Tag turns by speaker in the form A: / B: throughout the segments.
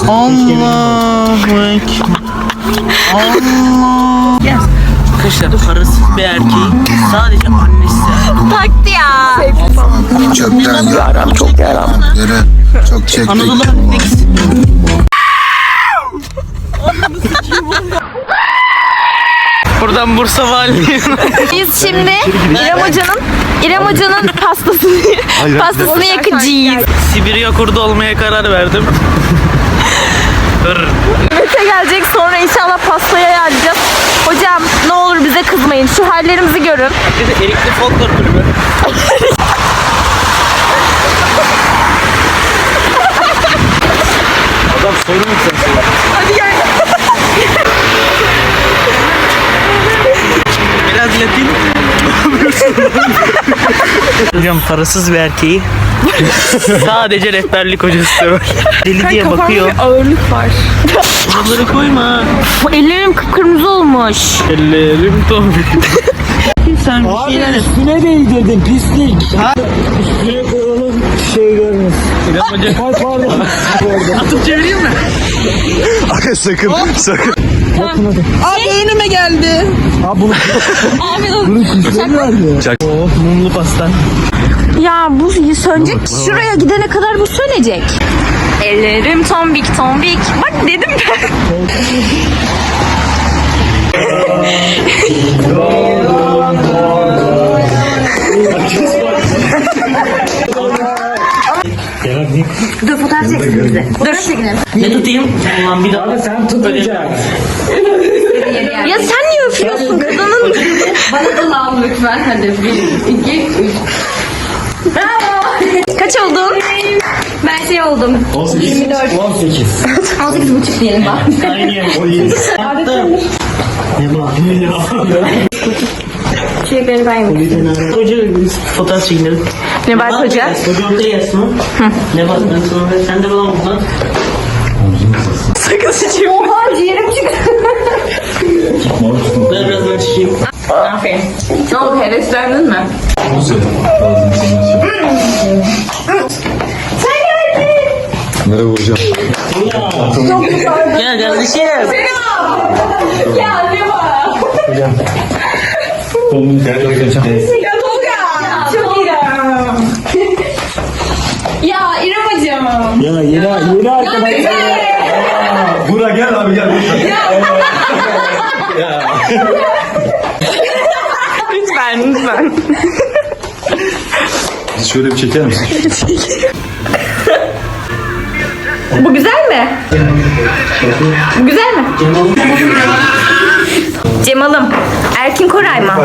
A: Allahu Ekber. Allah. Arkadaşlar parasız bir erkeğin sadece annesi
B: Taktı ya.
C: Çöpten yaram çok yaram. Yere çok çektik.
A: Anadolu Hakkı'ndaki buradan Bursa Valiliği.
B: Biz şimdi İrem Hoca'nın pastasını yakacağız.
A: Sibirya kurdu olmaya karar verdim.
B: Mete gelecek, sonra inşallah pastaya yağacağız. Hocam ne olur bize kızmayın. Şu hallerimizi görün.
A: Bir de Erikli Folklor Kulübü. Adam soru mu sen?
B: Hadi gel.
A: Biraz Latin. Hocam parasız bir erkeği sadece rehberlik hocası var. Deli diye bakıyor.
B: Bir ağırlık var.
A: Bunları koyma.
B: Ellerim kıpkırmızı olmuş.
A: Ellerim tombik. Sen bir şeyler yap.
D: Üstüne değdirdin pislik. Üstüne koyalım şey görmez.
A: İrem Hoca.
D: Ay pardon.
A: Atıp çevireyim mi?
C: Aga sakın.
E: Abi önüme geldi.
D: Ha bunu. Bunu kuşları verdi.
A: Mumlu pasta.
B: Ya bu sönecek. Şuraya gidene kadar bu sönecek. Ellerim tombik tombik. Bak dedim ben. Dur fotoğraf çeksin bize. Dur çekelim.
A: Ne tutayım? Ulan bir daha.
D: Sen tutacaksın.
B: Ya sen niye öpüyorsun kadının? Bana da lav lütfen. Hadi 1, 2, 3. Bravo. Kaç oldun? Ben şey oldum. 24.
D: 18.
B: 18,5 diyelim bak.
A: Aynı. Attım.
B: Çiçekleri ben yapayım.
A: Hoca fotoğraf çekinelim.
B: Nebahat Hoca.
A: Hoca orada yazsın. Nebahat ben sonra sen de bana buradan.
B: Sakın sıçayım. Oha ciğerim çıktı.
A: Ben biraz ben çekeyim.
B: Aferin. Ne oldu, heveslendin mi? Sen geldin.
C: Merhaba hocam.
A: Gel kardeşim.
B: Ya ne var? Ya Tolga. Çok iyi. Ya İrem Hocam.
D: Ya yeni arkadaşlar.
C: Bura gel abi gel.
B: Lütfen.
C: Şöyle bir çeker misin?
B: Bu güzel mi? Bu güzel mi? Cemal'ım. Erkin Koray mı?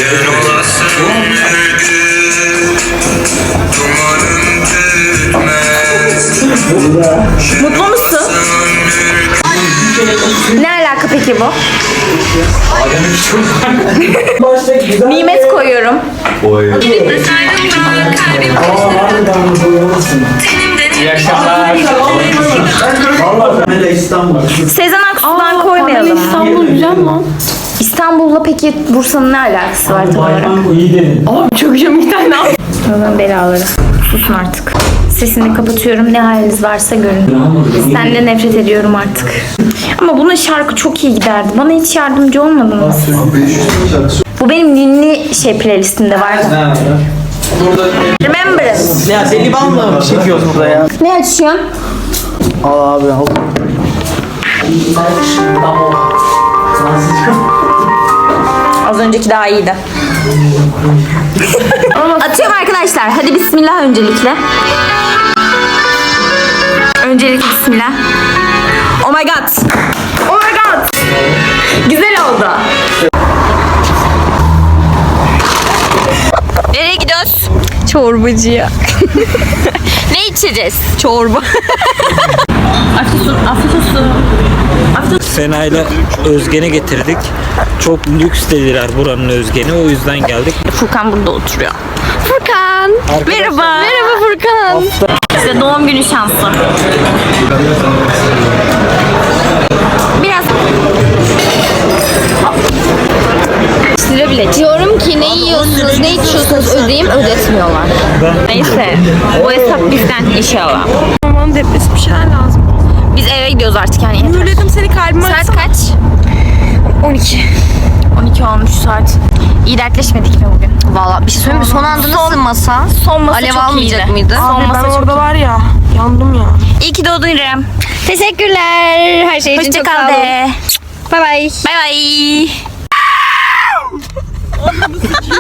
B: Mutlu musun? Ne alaka peki bu? Nimet koyuyorum. Sezen Aksu'dan koymayalım.
E: İstanbul güzel mi?
B: İstanbul'la peki Bursa'nın ne alakası var tam olarak?
D: İyi dedin.
E: Abi çok iyi bir tane al.
B: Allah'ın belaları. Susun artık. Sesini kapatıyorum. Ne haliniz varsa görün. Senden nefret ediyorum artık. Ama buna şarkı çok iyi giderdi. Bana hiç yardımcı olmadınız. Bu benim ninni playlistimde vardı. Remembrance.
A: Ya deli banla mı çekiyoruz burada ya?
B: Ne açıyorsun?
A: Al abi al.
B: Az önceki daha iyiydi. Atıyorum arkadaşlar. Hadi bismillah öncelikle. Öncelikle bismillah. Oh my god. Oh my god. Güzel oldu. Nereye gidiyoruz? Çorbacıya. Ne içeceğiz? Çorba. Afiyet olsun.
D: Sena ile Özgen'i getirdik. Çok lüks dediler buranın Özgen'i. O yüzden geldik.
B: Furkan burada oturuyor. Furkan. Merhaba. Merhaba Furkan. İşte doğum günü şansı. Biraz lira bile. Diyorum ki ne yiyorsunuz, ne içiyorsunuz ödeyeyim, ödetmiyorlar. Neyse. O hesap bizden inşallah.
E: Aman depresi bir şeyler lazım.
B: Biz eve gidiyoruz. gidiyoruz artık yani. Yeter.
E: Mühürledim seni kalbime.
B: Saat kaç? 12. 12 olmuş saat. İyi dertleşmedik mi bugün?
F: Valla bir şey söyleyeyim mi? Son anda nasıl masa?
B: Son masa
F: Alev
B: çok
F: almayacak
B: iyiydi.
F: mıydı?
B: Son
E: Abi
B: masa
E: ben
B: çok
E: orada var ya. Yandım ya.
B: İyi ki doğdun İrem. Teşekkürler. Her şey için
F: Hoşça
B: çok
F: kal.
B: kaldı.
F: Bay bay.
B: Bay bay.